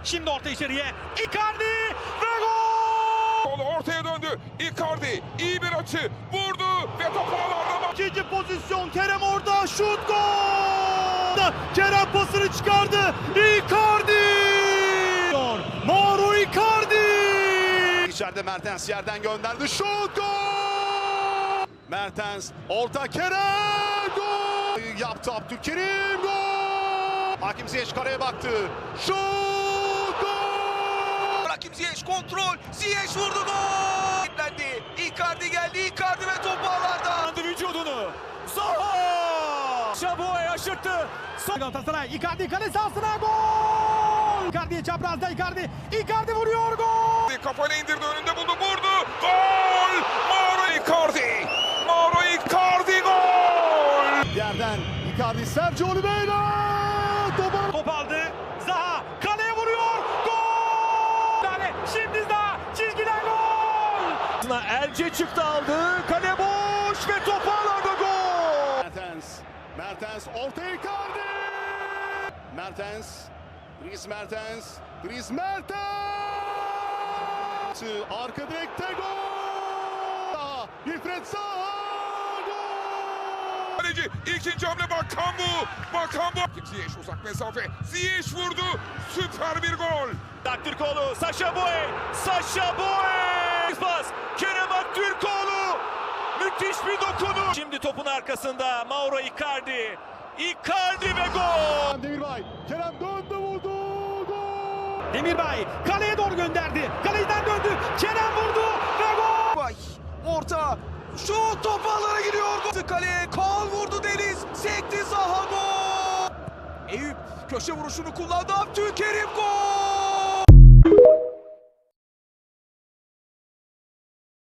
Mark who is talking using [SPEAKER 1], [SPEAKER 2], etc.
[SPEAKER 1] Şimdi orta içeriye. Icardi ve gol!
[SPEAKER 2] Ortaya döndü. Icardi iyi bir açı vurdu ve top ağlarda.
[SPEAKER 1] İkinci pozisyon Kerem orada şut gol! Kerem pasını çıkardı. Icardi! Mauro Icardi!
[SPEAKER 3] İçeride Mertens yerden gönderdi. Şut gol! Mertens orta Kerem gol! Yaptı Abdülkerim gol! Hakim Ziyech kareye baktı. Şut gol!
[SPEAKER 4] Hakim Ziyech kontrol. Ziyech vurdu gol. Yüklendi. Icardi geldi. Icardi ve top ağlarda.
[SPEAKER 1] Vücudunu. Zaha! Şabo'ya aşırttı. Galatasaray Icardi kale sahasına gol! Icardi'ye çaprazda Icardi. Icardi vuruyor gol!
[SPEAKER 2] Kafayla indirdi, önünde buldu, vurdu. Gol! Mauro Icardi! Mauro Icardi gol!
[SPEAKER 3] Yerden Icardi, Sergio Oliveira!
[SPEAKER 1] Top aldı. Zaha kaleye vuruyor. Gol! Şimdi Zaha çizgiden gol! Elce çıktı aldı. Kale boş ve top ağlarda gol!
[SPEAKER 3] Mertens orta Icardi! Dries Mertens! Arka direkte gol! Wilfried Zaha gol!
[SPEAKER 2] Kaleci ikinci hamle Bakambu. Ziyech uzak mesafe. Ziyech vurdu. Süper bir gol.
[SPEAKER 1] Aktürkoğlu, Sacha Boey! Pas, Kerem Aktürkoğlu! Müthiş bir dokunuş. Şimdi topun arkasında Mauro Icardi. Icardi ve gol!
[SPEAKER 3] Demirbay, Kerem döndü vurdu! Gol!
[SPEAKER 1] Demirbay kaleye doğru gönderdi. Kaleden döndü. Kerem vurdu ve gol!
[SPEAKER 4] Vay. Orta. Şut top ağlara giriyor. Gol. Kaleye Kaan vurdu Deniz. Sekti Zaha gol. Eyüp köşe vuruşunu kullandı. Abdülkerim.